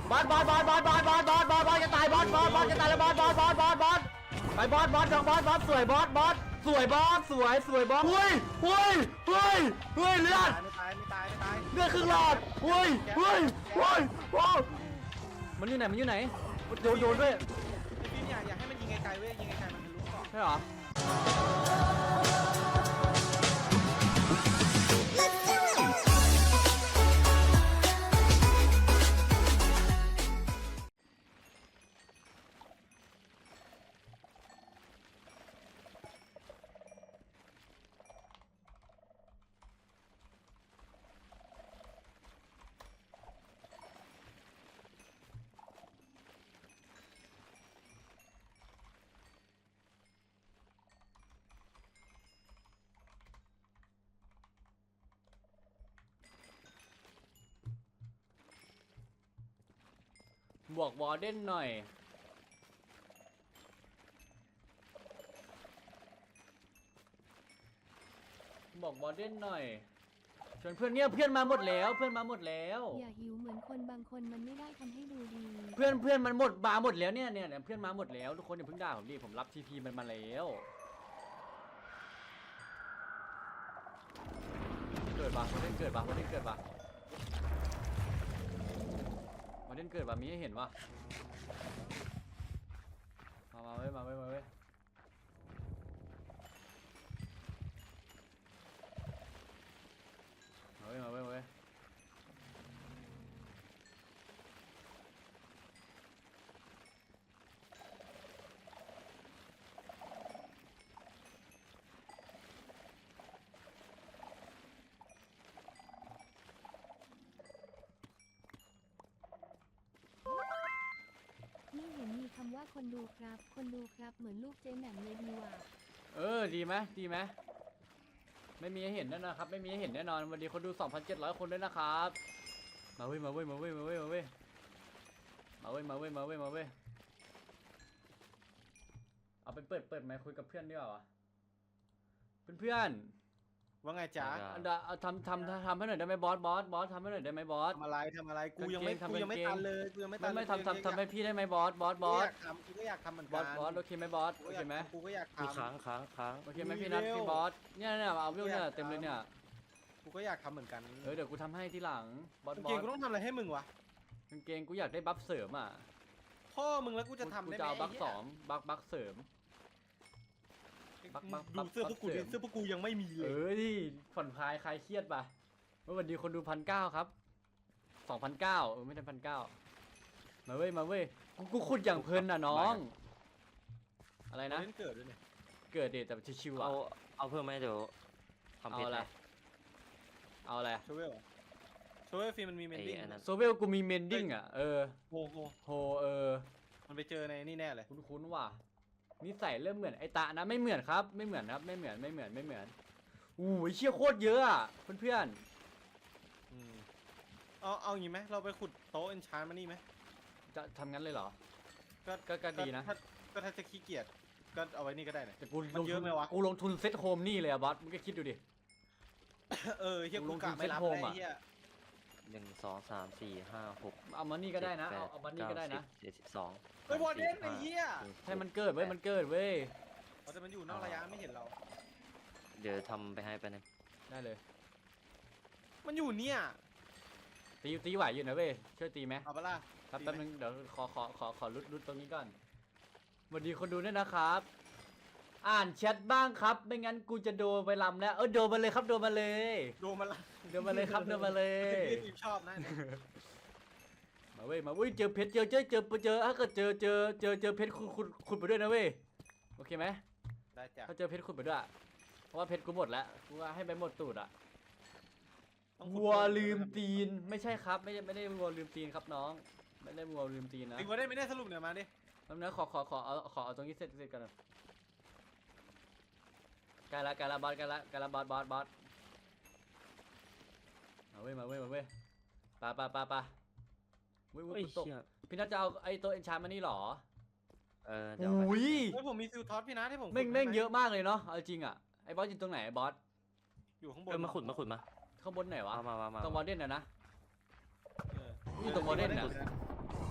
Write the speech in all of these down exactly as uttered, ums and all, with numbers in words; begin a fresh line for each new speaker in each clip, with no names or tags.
บอสบอสบอสบอสบอสบอสบอสบอสบอสจะตายบอสบอสบอสจะตายแล้วบอสบอสบอสบอสบอสไปบอสบอสดอกบอสบอสสวยบอสบอสสวยบอสสวยสวยบอสเฮ้ยเฮ้ยเฮ้ยเฮ้ยเลือด
ไม่ตายไม่ตายไม่ตาย
เลือดครึ่งหลอดเฮ้ยเฮ้ยเฮ้ยโอ้มันอยู่ไหนมันอยู่ไหนโยนโยนด้วย
ไอ้ฟิล์มอยากอยากให้มันยิงไกลๆเว้ยยิงไกลๆมันทะลุก่อน
ใช่เหรอบวกวอร์เดนหน่อยบอกวอร์เดนหน่อยชวนเพื่อนเนี่ยเพื่อนมาหมดแล้วเพื่อนมาหมดแล้ว
อย่าหิวเหมือนคนบางคนมันไม่ได้ทำให้ดูดี
เพื่อนเพื่อนมันหมดมาหมดแล้วเนี่ยเนี่ยเพื่อนมาหมดแล้วทุกคนอย่าเพิ่งด่าผมดิผมรับทีพีมันมาแล้วเกิดปะวอร์เดนเกิดปะวอร์เดนเกิดปะวอร์เดนเกิดปะมีให้เห็นปะมามาเว้ยมาเว้ยมาเว้ยมาเว้ยมาเว้ยมาเว้ย
นี่เห็นมีคำว่าคนดูครับ คนดูครับเหมือนลูกเจ๊แหม่มเลยดีว่ะ
เออดีไหมดีไหมไม่มีให้เห็นแน่นอนครับไม่มีให้เห็นแน่นอนวันนี้คนดู สองพันเจ็ดร้อย คนด้วยนะครับมาเว้ยมาเว้ยมาเว้ยมาเว้ยมาเว้ยมาเว้ยมาเว้ยมาเว้ยมาเว้ยเอาไปเปิดเปิดไมค์คุยกับเพื่อนดีกว่าวะเพื่อนๆ
ว่าไงจ๊ะ
อันดาเอาทำทำทำให้หน่อยได้ไหมบอสบอสบอสทำให้หน่อยได้ไหมบอส
ทำอะไรทำอะไรกูยังไม่
กางเกง
กูยังไม่
ทำกางเกง
ตันเลยกูยังไม่ตั
ไม่
น
ไม่ทำทำทำให้พี่ได้ไหมบอสบอสบอส
กูก็อยากทำเหมือน
บ
กั
อน สบอสโอเคไหมบอส
กู
โอ
ก็อ
เค
ยาก
ไหม
ทำกูก็อยาก
มี
ทำ
ค้างค้างค้าง
โอเคไหมพี่
มี
นัท
เร็ว
พี่บอสเนี่ยเนี่ยเอาวิวเนี่ยเต็มเลยเนี่ย
กูก็อยากทำเหมือนกัน
เออเดี๋ยวกูทำให้ทีหลังบอส
กาง
บอ
เกง
ส
กูต้องทำอะไรให้มึงวะ
กางเกงกูอยากได้บัฟเสริมอ่ะ
พ่อมึงแล้วกูจะทำ
กู
ได้ไหม
จะเอาบัฟ
ไหี้ย
สองบัฟบัฟเสริม บักบักบั
ดู
ก
เสื้อพวกกู
บัก
ดิ
เสริม
เสื้อพวกกูยังไม่มีเล
เอย อดิผ่อนคลายคลายเครียดป่ะเมื่อวันดีคนดูพันเก้าครับสองพันเก้าเออไม่ได้พันเก้ามาเว้ยมาเว้ยกูกูขุดอย่างเพลินน่ะน้อง อะไรนะ
เล่นเกิดด้วยเนี่ย
เกิดเดทแต่ชิวๆอ่ะ
เอาเอาเพิ่มไหมเดี๋ยวทำ
เอา
เพชร
อะไร
ให้
เอาอะไร
โชเวลโชเวลฟิล์มมันมีเมนดิ้ง
ไอ้อันนั้น
โซเวลกูมีเมนดิ้งอ่ะเออ
โอ้โห
โฮเออ
มันไปเจอในนี่แน่เลย
คุ้นๆว่ะนิสัยเริ่มเหมือนไอตะนะไม่เหมือนครับไม่เหมือนครับไม่เหมือนไม่เหมือนไม่เหมือนอู้ยเชี่ยโคตรเยอะอ่ะเพื่อน
อืมเอาเอาอย่างงี้ไหมเราไปขุดโต๊ะเอนชานมานี่ไหม
ๆจะทำงั้นเลยเหรอ
ก็
ก็ก็ดีนะ
ถ้าก็ถ้าจะขี้เกียจก็เอาไว้นี่ก็ได้นะ
แต่กู
มัน
ลง
เย
ทุ
อะ
น
ไหมวะ
กูลงทุนเซ็ตโฮมนี่เลยอะบอสมึงก็คิดดูดิ
เออเฮีย
ล
กู
งทุ
กะ
น
ไม่รับ
เซ็ตโฮม
เลย
อะ
เฮีย
หนึ่งสองสามสี่ห้าหก
เอามานี่ก็ได้นะ
จ็
เอา
แป
เอามานี่ก็ได้นะ
เจ็ดสิบสอง
เฮ้ยบอลเล่นไอ้เฮีย
ให้มันเกิดเว้ยมันเกิดเว้ย
เขาจะมันอยู่นอกระยะไม่เห็นเรา
เดี๋ยวทำไปให้ไปบนึง
ได้เลย
มันอยู่เนี่ย
ตีตีไหวอยู่นะเว้ยช่วยตีไหม
เอาปะล่ะ
ครับ
ตี
แป๊บ
ไหม
นึงเดี๋ยวขอขอขอขอรุดรุดตรงนี้ก่อนสวัสดีคนดูด้วยนะครับ อ่านแชทบ้างครับไม่งั้นกูจะโดนไปลำแล้วเออโดนมาเลยครับโดนมาเลย
ดูมันละ
โดนมาเลยครับโดนมาเลย
พี่ทีมชอบนะเนี่ย
มาเว้ยมาเว้ยเจอเพชรเจอเจอเจอเจอถ้าเกิดเจอเจอเจอเจอเพชรขุดขุดขุดไปด้วยนะเว้ยโอเคไหม
ได้จ้ะ
ถ้าเจอเพชรขุดไปด้วยเพราะว่าเพชรกูหมดแล้วกูว่าให้ไปหมดตูดอ่ะ
ต้องขุด
วัวลืมตีนไม่ใช่ครับไม่ได้ไม่ได้วัวลืมตีนครับน้องไม่ได้วัวลืมตีนนะ
ตีวัวได้ไม่ได้สรุปเนี่ยมาดิ
แป๊บนึงขอขอขอเอาขอเอาตรงนี้เสร็จเสร็จกันใกล้ละใกล้ละบอสใกล้ละใกล้ละบอสบอสบอสมาเว้ยมาเว้ยมาเว้ยปะปะปะปะวิ่ง
เฮ้ย
วิ่งตก
เชี่ย
พี่นัทจะเอาไอ้ตัวเอนชานมานี่หรอ
เออเดี๋ยวเอาไป
อุ้ย
เฮ้ยผมมีซิลท็อตพี่นะที่ผมขุด
แม่งแม่ง
ให้
เยอะมากเลยเนาะเอาจริงอ่ะไอ้บอสอยู่ตรงไหนไอ้บอส
อยู่ข้างบน
เออมาขุดมาขุดมา
ข้างบนไหนวะ
เอามามามา
ตรงวอร์เดนน่ะนะ
เออ
อยู่ตรงวอร์เดนน่ะ
เ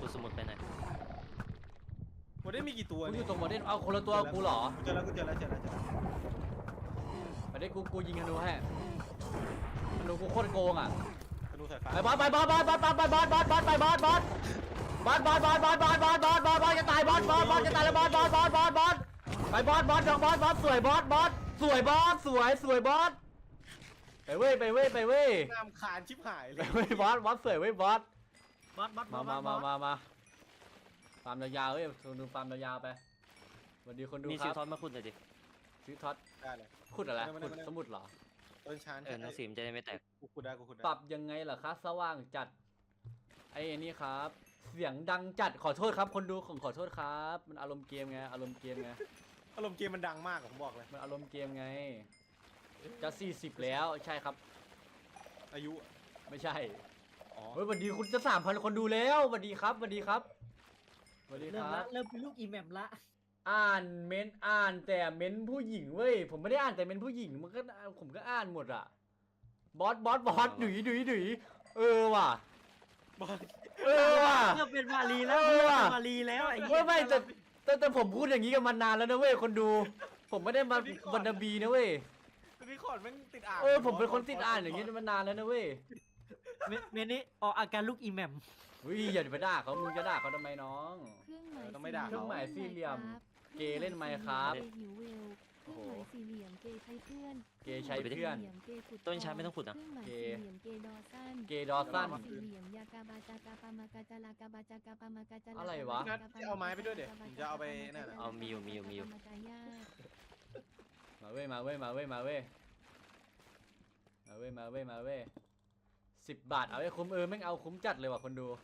ขุดสมุดไปไหน
โมเดลมีกี่ตัว
กูอ
เนี่ย
ยู่ตรงโมเดลเอาคนละตัวกูเหรอ
เจอแล้วกูเจอแล้วเจอแล้วเจอแล้ว
ไปได้กูกูยิงธนูให้ธนูกูโคตรโกงอ่ะ
ธนูสายฟ้า
ไปบอสไปบอสบอสบอสบอสไปบอสบอสบอสไปบอสบอสบอสบอสบอสบอสบอสบอสบอสบอสบอสจะตายบอสบอสบอสจะตายแล้วบอสบอสบอสบอสบอสไปบอสบอสดอกบอสบอสสวยบอสบอสสวยบอสสวยสวยบอสไปเว้ยไปเว้ยไปเว้ย
น้ำขานชิบหายเล
ไป
ย
เว้ยบอสบอสสวยเว้ยบอส
บอสบอสบ
มา
อส
มา
บอ
มา
ส
มามาฟาร์มยาวๆเว้ยคนดูฟาร์มยาวๆไปสวัสดีคนดู
มี
ค
ซิ
รั
ล
บ
ทอนมาขุดหน่อยดิ
ซื้อท็อต
ได้เลย
ขุดอะไร
ไม่ได้
ขุด
ไม่ได้
สมุดเหรอ
ต้นชั้น
เออหนังสือมันจะได้ไม่แตก
กูขุดได้กูขุดได้
ปรับยังไงเหรอคะสว่างจัดไอ้อันนี้ครับ เสียงดังจัดขอโทษครับ คนดูของขอโทษครับ มันอารมณ์เกมไงอารมณ์เกมไง
อารมณ์เกมมันดังมากอะผมบอกเลย
มันอารมณ์เกมไง จะสี่สิบแล้วใช่ครับ
อายุ
ไม่ใช่
อ๋อ
เฮ้ยสวัสดีคุณจะสามพันคนดูแล้วสวัสดีครับสวัสดีครับสวัสดีค
เริ่ม
รั
ละ
บ
เริ่มเป็นลูกอีแมมละ
อ่านเม้นอ่านแต่เม้นผู้หญิงเว้ยผมไม่ได้อ่านแต่เม้นผู้หญิงมันก็ผมก็อ่านหมดอะบอสบอสบอสดุยดุยดุยเออว่ะ
บอล
เออว่ะ
เริ่มเป็นมารีแล้ว
เออ
เริ่ม
ว่ะ
เป็นมารีแล้วไอ้เหี้
เว้
ย
ยไม่แต่แต่แต่ผมพูดอย่างนี้กันมานานแล้วนะเว้ยคนดู ผมไม่ได้มาวันนาบีนะเว้ย
ตัวนี้ขอดแม่งติดอ่าง
เออผมเป็นคนติดอ่านอย่างนี้มานานแล้วนะเว้ย
เมเมนี้ออกอาการลูกอีแมม
เฮ้ยอย่าไปด่าเขามึงจะด่าเขาทำไมน้อง
เครื่องหมาย
เครื่องหมายสี่เหลี่ยม
ค
เกย์เล่นไหมครับ
เกย์หิวเวลเครื่องหมายสี่เหลี่ยมเกย์ใช้เพื่อน
เกย์ใช้เพื่อน
ครื่องหมายสี่เหลี่ยมเกย์ขุด
ต้นชาไม่ต้องขุดนะ
เครื่องหมายสี่เหลี่ยมเกย์ดอสั้น
เกย์ดอสั้น
สี่เหลี่ยมยากาบาจากาปามากาจาลากาบาจากาปามากาจาลา
อะไรวะ
นัดที่เอาไม้ไปด้วยเดี๋ยวผมจะเอาไปนั่นน่ะ
เอามีอยู่มีอยู่มีอยู่
ปามากายา
มาเว้ยมาเว้ยมาเว้ยมาเว้ยมาเว้ยมาเว้ยมาเว้ยสิบบาทเอาไอ้คุ้มเออแม่งเอาคุ้มจัดเลยว่ะคนดู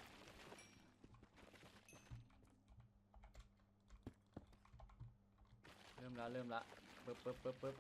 เริ่มละเริ่มละปึ๊บปึ๊บปึ๊บปึ๊บ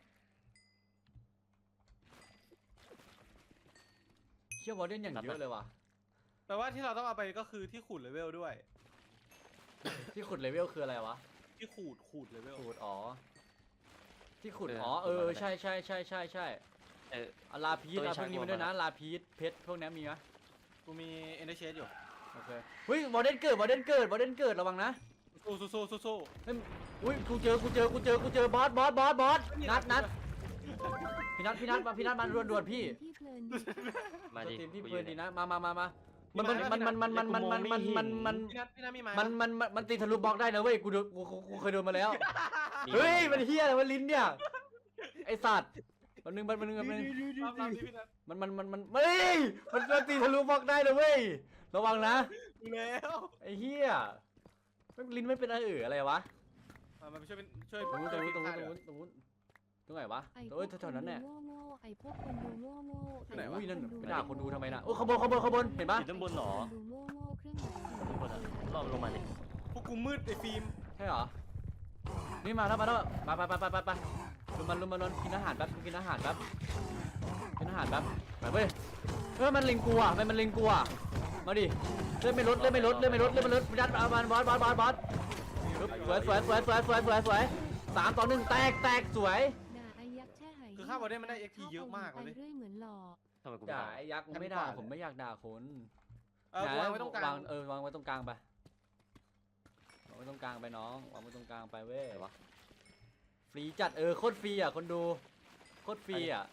เชี่ยวอลเดนอย่างเยอะเลยว่ะ
แปลว่าที่เราต้องเอาไปก็คือที่ขูดเลเวลด้วย
ที่ขุดเลเวลคืออะไรวะ
ที่ขูดขูดเลเวล
ขุดอ๋อที่ขุด
เออ
อ๋อเอ
ขุดมา
อ
แล้ว
ใช่ใช่ใช่ใช่ใช่
เออ
เอาลาพีช
ตัว
เอา
ใช้
พวกนี้
หัว
มาด้วยนะ
มา
ลาพีชเพชรพวกนี้มีไหม
กูมีเอ็นเดอร์เชสอยู่
โอเคเฮ้ยวอลเดนเกิดวอลเดนเกิดวอลเดนเกิดระวังนะ
สู้สู้สู้สู้สู้
เฮ้ยอุ้ยกูเจอกูเจอกูเจอกูเจอบอสบอสบอสบอสนัดนัดพี่นัดพี่นัดมาพี่นัดมาด่วนด่วนพี่
ที่เพลินดีค่ะ
มาดิ
ทีมที่
กูอ
เพลิ
ยู่
นดี
เนี่ย
นะมามามามามันมันมันมันมันมันมันมันมันมัน
พี่นัทพี่นัทมีไม้
มันมันมันมันตีทะลุบล็อกได้นะเว้ยกูโดนกูกูกูเคยโดนมาแล้ว
มี
เฮ้ยมันเฮียอะไรวะลิ้นเนี่ยไอสัตว์มันนึงมันมันนึงมันนึง
รอบรอบนี้พี่นัท
มันมันมันมันเฮ้ยมันมันตีทะลุบล็อกได้นะเว้ยระวังนะ
ดูแล้ว
ไอเฮียมันลิ้นไม่เป็นอะไรเอออะไรวะ
มามาช่วยเป็นช่วย
ตรงนู้นตรงนู้นตรงนู้นตรง
ช่วย
นู้นตรงนู้นตรงไหนวะ
ไอ้พ
เอ้
วย ก
แถวๆนั้นเนี่ย
โง่โง่ไอ้พวกคนดูโง่โง่ไอ้พวก
อุ้ยนั่น
คดู
ไปด่าคนดูทำไมน่ะโอ้ยขบวนขบวนขบวนเห็นปะ
อยู่ด้านบนเหรอ
คนดูโง่โง่เครื่องหมายสี่เหลี่ยม
บนอะรอบลงมาดิ
พวกกูมืดไอ้ฟิล์ม
ใช่เหรอนี่มาแล้วมาแล้วไปไปไปไปไปไปลุมมันลุมมันลุมกินอาหารแป๊บกินอาหารแป๊บกินอาหารแป๊บไปเว้ยเฮ้ยมันเล็งกูอ่ะมันมันเล็งกูอ่ะมาดิเลื่อนไม่ลดเลื่อนไม่ลดเลื่อนไม่ลดเลื่อนไม่ลดยัดเอามันบอสบอสบอสบอสสวยสวยสวยสวยสวยสวยสวยสามต่อหนึ่งแตกแตกสวย
ด่าไอ้ยักษ์แช่หาย
คือข้าวบอลได้มันได้เอ็กพีเยอะมากเลย
ไปเรื่อยเหมือนหล่อ
ทำไมกูไม่
ด่า
ทำ
ไอ้ยักษ์ไม่ด่าผมไม่อยากด่าคน
เออวางไว้ตรงกลาง
เออวางไว้ตรงกลางไปวางไว้ตรงกลางไปน้องวางไว้ตรงกลางไปเว้ย
ไหนวะ
ฟรีจัดเออโคตรฟรีอ่ะคนดูโคตรฟรีอ่ะ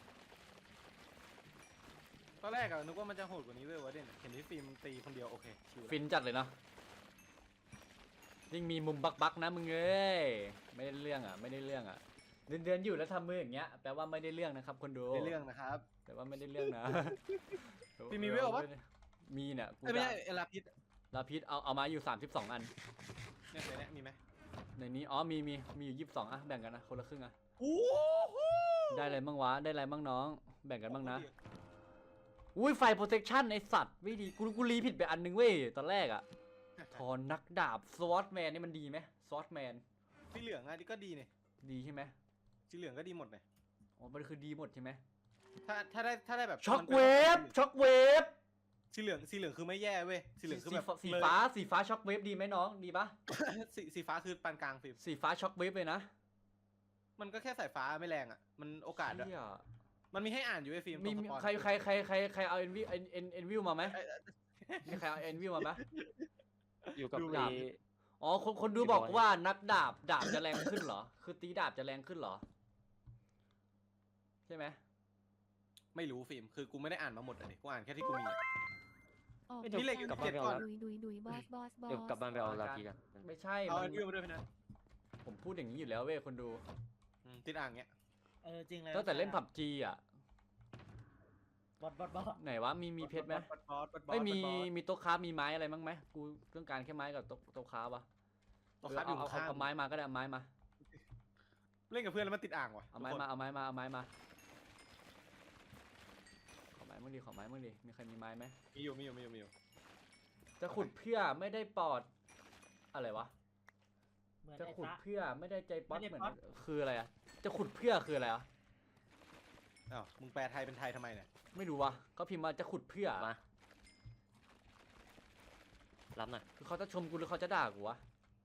ตอนแรกอะนึกว่ามันจะโหดกว่านี้เว้ยวะเด่นเห็นที่ฟิล์มตีคนเดียวโอเคชิว
ฟินจัดเลยเนาะยิ่งมีมุมบักบักๆนะมึงเอ้ยไม่ได้เรื่องอ่ะไม่ได้เรื่องอ่ะเดินเดินอยู่แล้วทำมืออย่างเงี้ยแปลว่าไม่ได้เรื่องนะครับคนดู
ในเรื่องนะครับ
แปลว่าไม่ได้เรื่องนะ
พี่มีเวลปะ
มีเนี่ยกู
เอ้ยไม่
ด่า
ใช่เอลาพิษ
ลาพิษเอาเอามาอยู่สามสิบสองอัน
เนี่ยในเนี้ยมีไหม
ในนี้อ๋อมีมีมีอยู่ยี่สิบสองอ่ะแบ่งกันนะคนละครึ่งอ่ะ
โอ้โห
ได้อะไรบ้างวะได้อะไรบ้างน้อง แบ่งกันบ้างนะอุ้ยไฟโปรเทคชั่นไอสัตว์ไม่ดีกูกูรีผิดไปอันนึงเว้ยตอนแรกอ่ะทอนนักดาบสวอตแมนนี่มันดีไหมสวอตแมน
สีเหลืองอะนี่ก็ดีเนี่ย
ดีใช่ไหม
สีเหลืองก็ดีหมดเลย
อ๋อมันคือดีหมดใช่ไหม
ถ้าถ้าได้ถ้าได้แบบ
ช็อค
มันป็น
เวฟช็อคเวฟ
สีเหลืองสีเหลืองคือไม่แย่เว้ยสีเหลืองคือแบบ
สีฟ้าสีฟ้าช็อคเวฟดีไหมน้องดีปะ
สีสีฟ้าคือปานกลางฟิล์ม
สีฟ้าช็อคเวฟเลยนะ
มันก็แค่สายฟ้าไม่แรงอ่ะมันโอกาสด้วย
เชี่ย
มันมีให้อ่านอยู่ไอ้ฟิล์ม
มี
ตรง
มี
สปอน
ใครใครใครใครใครเอาเอ็นวิเอ็นเอ็นเอ็นวิวมาไหม
เอ้ยเอ้ย
มีใครเอาเอ็นวิวมาไหม
อยู่กับ
ดู
ไอ้
ดาบ อ๋อคนคนดู
พี่
บอก
บอย
ว่านักดาบดาบจะแรงขึ้นเหรอ คือตีดาบจะแรงขึ้นเหรอ ใช่ไหม
ไม่รู้ฟิล์มคือกูไม่ได้อ่านมาหมดเลยกูอ่านแค่ที่กูมีอะ
ออก
ไม่เดี๋ยว
มีเหล็กอยู่
กลับ
เจ็
บ้าน
ด
ไปเอา
ก้อน
ดุยดุยดุยบอสบอสบอส
เดี๋ยวกลับบ้านไปเอาลาพีกัน
ไม่ใช่
เอา
มั
อั
น
นนี้มาด้วยพี่นะ
ผมพูดอย่างนี้อยู่แล้วเว้ยคนดู
อืมติดอ่างเงี้ย
เออจริงเลย
ตั้งแต่เล่นผับจีอ่ะ
บอสบอสบอส
ไหนวะ มีมีเพชรไหม
บอสบอสบอสบอส
ไม่มี
บอส
มีโต๊ะค้าฟมีไม้อะไรมั้งไหมกูต้องการแค่ไม้กับโต๊ะโต๊ะค้าฟวะ
ตัวครับอยู่
เอาเอา
ข้าง
เอาไม้มาก็ได้เอาไม้มา
เล่นกับเพื่อนแล้วมันติดอ่างว่ะ
เอาไม้มาเอาไม้มาเอาไม้มาขอไม้มึงดิขอไม้มึงดิมีใครมีไม้ไหม
มีอยู่มีอยู่มีอยู่มีอยู่
จะขุดเพื่อไม่ได้ปอดอะไรวะ
เหมือน
จะ
ไอ้
ขุด
ตะ
เพื่อไม่ได้ใจป๊อต
ไม่
เห
ได้
มือน
ป๊อต
คืออะไรอะจะขุดเพื่อคืออะไรอะ
อ้าวมึงแปลไทยเป็นไทยทำไมเนี่ย
ไม่รู้วะเขาพิมพ์มาจะขุดเพื่อ
มารับหน่อย
คือเขาจะชมกูหรือเขาจะด่ากูวะ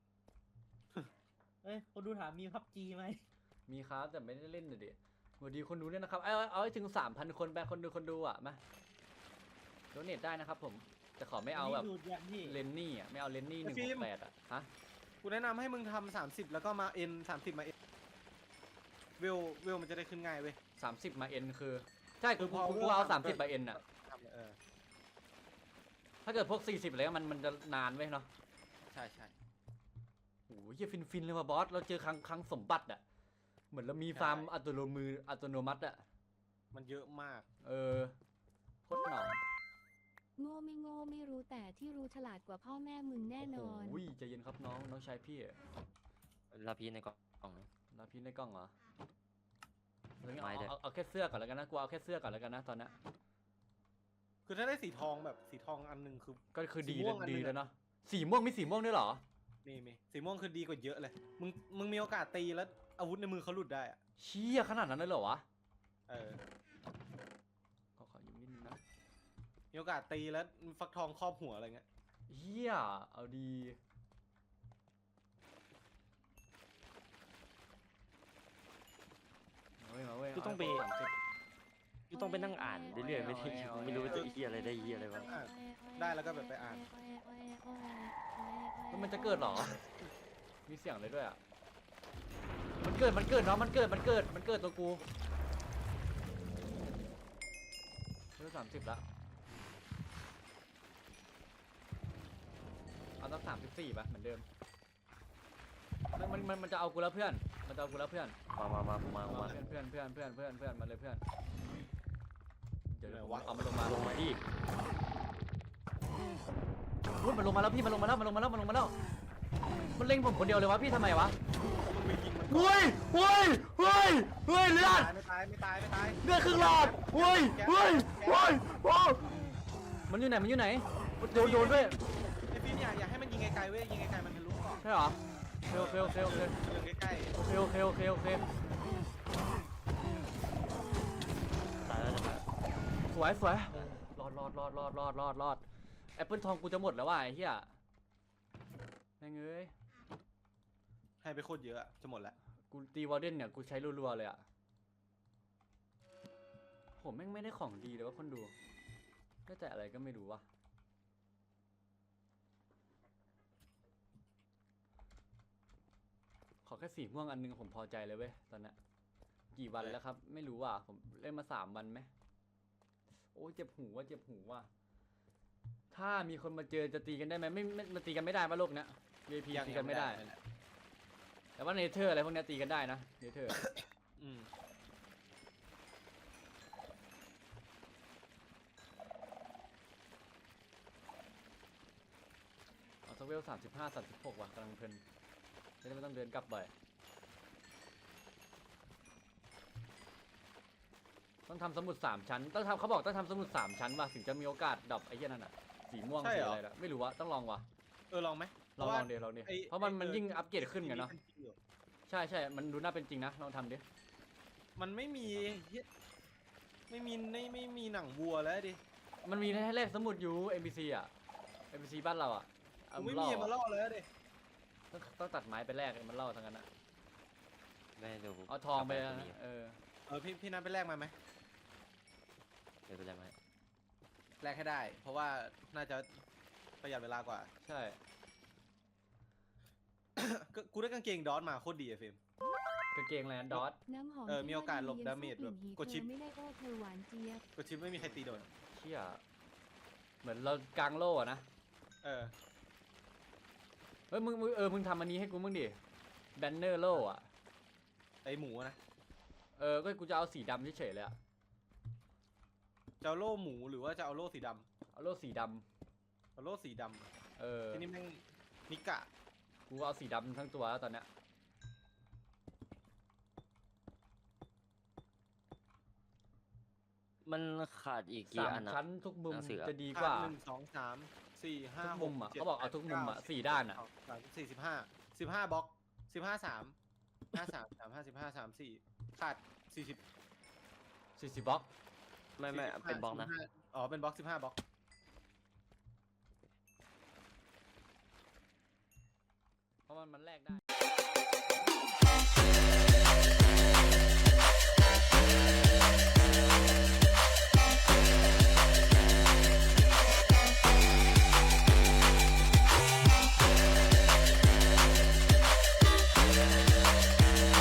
เอ้ยคนดูถามมีพับจีไหม
มีครับแต่ไม่ได้เล่นเลยดิสวัสดีคนดูด้วยนะครับเอาเอาเอาให้ถึงสามพันคนไปคนดูคนดูอ่ะมาโดเนทได้นะครับผมแต่ขอไม่เอาแบบ
นนี้ดูดอย่างพี่
เลนนี่อ่ะไม่เอาเลนนี่หนึ่งหกแปดอ่ะฮะ
กูแนะนำให้มึงทำสามสิบแล้วก็มาเอ็นสามสิบมาเอ็นเวลเวลมันจะได้ขึ้นง่ายเว้ย
สามสิบมาเอ็นคือใช่
คื
กู
อพอ
กูกู
เวล
เอา
สา
สาม ม
สิ
สิ
บ
บมาเอ็นอ่ะ
ทำเออ
ถ้าเกิดพวกสี่สิบอะไรมันมันจะนานเว้ยเนาะ
ใช่ใช่
โอ้ยเหี้ยฟินฟินเลยว่ะบอสเราเจอครั้งครั้งสมบัติอ่ะเหมือนเรามีฟาร์มอัตโนมืออัตโนมัติอ่ะ
มันเยอะมาก
เออโคตรหนอน
โง่ไม่โง่ไม่รู้แต่ที่รู้ฉลาดกว่าพ่อแม่มึงแน่นอน
โอ้ยใจเย็นครับน้องน้องชายพี่อะ
ลาพีในกล่องนะ
รับพี่ในกล้องเหรอเอา
ไม่
เอา
ได้
เอาเอาแค่เสื้อก่อนแล้วกันนะกูเอาแค่เสื้อก่อนแล้วกันนะตอนเนี้ย
คือถ้าได้สีทองแบบสีทองอันหนึ่งคือ
ก็คือ
สี
ดี
ม่วงอัน
ดี
นึงอะ
แล้วเนาะสีม่วงมีสีม่วงด้วยเหรอ
นี่มีสีม่วงคือดีกว่าเยอะเลย มึงมึงมีโอกาสตีแล้วอาวุธในมือเขาหลุดได้อะ
เชี่ยขนาดนั้นเลยเหรอวะ
เออ
ขอขออยู่นิดนึงนะ
มีโอกาสตีแล้วฟักทองครอบหัวอะไรเงี้ย
เฮียเอาดีมาเว้ยมาเว้ย
กูต้องไป
เาให้ครบสามสิบ
กูต้องไปนั่งอ่านเรื่อยๆไม่ได้
เอาไว้
ไม่รู้ว่าจะเฮียอะไรได้เฮียอะไรบ้าง
อ่ะได้แล้วก็แบบไปอ่าน
แล้วมันจะเกิดเหรอ มีเสียงเลยด้วยอ่ะ มันเกิด มันเกิดเนาะ มันเกิด มันเกิด มันเกิดตัวกูเริ่มสามสิบละเอาตั้งสามสิบสี่ป่ะ เหมือนเดิม มันมันมันมันจะเอากูแล้วเพื่อน มันจะเอากูแล้วเพื่อน
มามามามามา
เพื่อนเพื่อนเพื่อนเพื่อนเพื่อนเพื่อนมาเลยเพื่อน เดี๋ยวเดี๋ยว
ไหนวะ
เอามาลงมา
ลงมาดิ
อุ๊ยมันลงมาแล้วพี่ มันลงมาแล้ว มันลงมาแล้ว มันลงมาแล้ว มันเล็งผมคนเดียวเลยวะพี่ทำไมวะ
มึงไปยิงมันก่อน
เฮ้ยเฮ้ยเฮ้ยเฮ้ยเลือด
ไม่ตายไม่ตายไม่ตาย
เลือดครึ่งหลอดเฮ้ยเฮ้ยเฮ้ยโอ้มันอยู่ไหน มันอยู่ไหนโดนโดนด้วย
ไอ้ฟิล์มอย่าอย่าให้มันยิงไกลๆเว้ยยิงไกลๆมันทะลุก่อน
ใช่เหรอโอเคโอเคโอเค
ยิงใกล้
โอเคโอเคโอเคโอเค
ตายแล้วจะตาย
สวยสวยรอดรอดรอดรอดรอดรอดรอดแอปเปิลทองกูจะหมดแล้วว่ะไอ้เหี้ยแม่งเอ้ย
ๆให้ไปโคตรเยอะอะจะหมดแล้ว
กูตีวอลเดนเนี่ยกูใช้รัวๆเลยอ่ะผมแม่งไม่ได้ของดีเลยว่าคนดูได้แต่อะไรก็ไม่รู้ว่ะขอแค่สีม่วงอันนึงผมพอใจเลยเว้ยตอนเนี้ยกี่วันแล้วครับ ไม่รู้ว่ะผมเล่นมาสามวันไหมโอ้ยเจ็บหูว่ะเจ็บหูว่ะถ้ามีคนมาเจอจะตีกันได้ไหมไม่ไม่มาตีกันไม่ได้ปะโลกเนี้ย วี ไอ พี ตีกันไม่ได้ แต่ว่าเนเธอร์อะไรพวกเนี้ยตีกันได้นะเนเธอร์
อืม
เอาสักเวลสามสิบห้าสามสิบหกว่ะกำลังเพลินจะได้ไม่ต้องเดินกลับบ่อยต้องทำสมุดสามชั้นต้องทำเขาบอกต้องทำสมุดสามชั้นว่ะถึงจะมีโอกาสดรอปไอ้เหี้ยนั่นอ่ะสีม่วงสีอะไรล่ะไม่รู้ว่าต้องลองว่ะ
เออลองไหม
ลองลองเดี๋ยวลองดิ
ไอ้
เพราะมัน
ไอ้
มัน
เออ
ยิ่งอัปเกรดขึ้นไงเนาะ
มัจริงอยู่
ใช่ใช่มันดูน่าเป็นจริงนะลองทำดิ
มันไม่มีเหี้ยไม่มีไม่ไม่มีหนังวัวแล้วดิ
มันมีให้แลกสมุดอยู่ เอ็ม บี ซี อ่ะ เอ็ม บี ซี บ้านเราอ่ะเอา
กูไม่
ล่
มี
อ
มาล่อเลยดิ
ต้องต้องตัดไม้ไปแลกมันเล่าทั้งนั้นอ่ะ
ไม่เดี๋ยว
เอาทองไป
กลับ
นะ
มี
เออ
เออพี่พี่นัทไปแลกมาไหม
เดี๋ยวไปแล้วไหม
แลกให้ได้ เพราะว่าน่าจะประหยัดเวลากว่า
ใช่
ก็กูได้กางเกงดอทมาโคตรดีอะเฟรม
กางเกงแลนดอท
น้ำหอม
เออมีโอกาสหลบ
ที่ว่
ดาเมจ
ดี
แบบ
สู้
กดชิป
เธอไม่ได้โอ้เธอหวานเจี๊ยบ
ก็ชิปไม่มีใครตีโดน
เชี่ยเหมือนเรากลางโล่อะนะ
เออ
เฮ้ยมึงมึงเออมึงทำอันนี้ให้กูมึงดิแบนเนอร์โล่อะ
ไอหมูนะ
เออก็กูจะเอาสีดำเฉยๆเลยอะ
จะเอาโล่หมูหรือว่าจะเอาโล่สีด
เอาโล่สีด
ำเอาโล่สีด
ำเออ
ำที่นี่แม่งนิกะ
กูเอาสีดำทั้งตัวแล้วตอนเนี้ย
มันขาดอีกกี่
สาม
อันอะ
ชั้นทุกมุม
หนังสืออะ
จะดีกว่า
หนึ่งสองสามสี่ห้า
ทุก
ห
มุ
ก
มอะ
จ็ด
เขาบอกเอาทุกมุมอะ
แปด
สี่ด้านอะ
สามสี่สิบห้าสิบห้าบล็อกสิบห้าสามห้าสามสามห้าสิบห้าสามสี่ขาดสี่สิบ
สี่สิบบล็อก
ไม่ไม่เป็นบล็อกนะ
อ๋อเป็นบล็อกสิบห้าบล็อก
เพราะมันมันแลกได้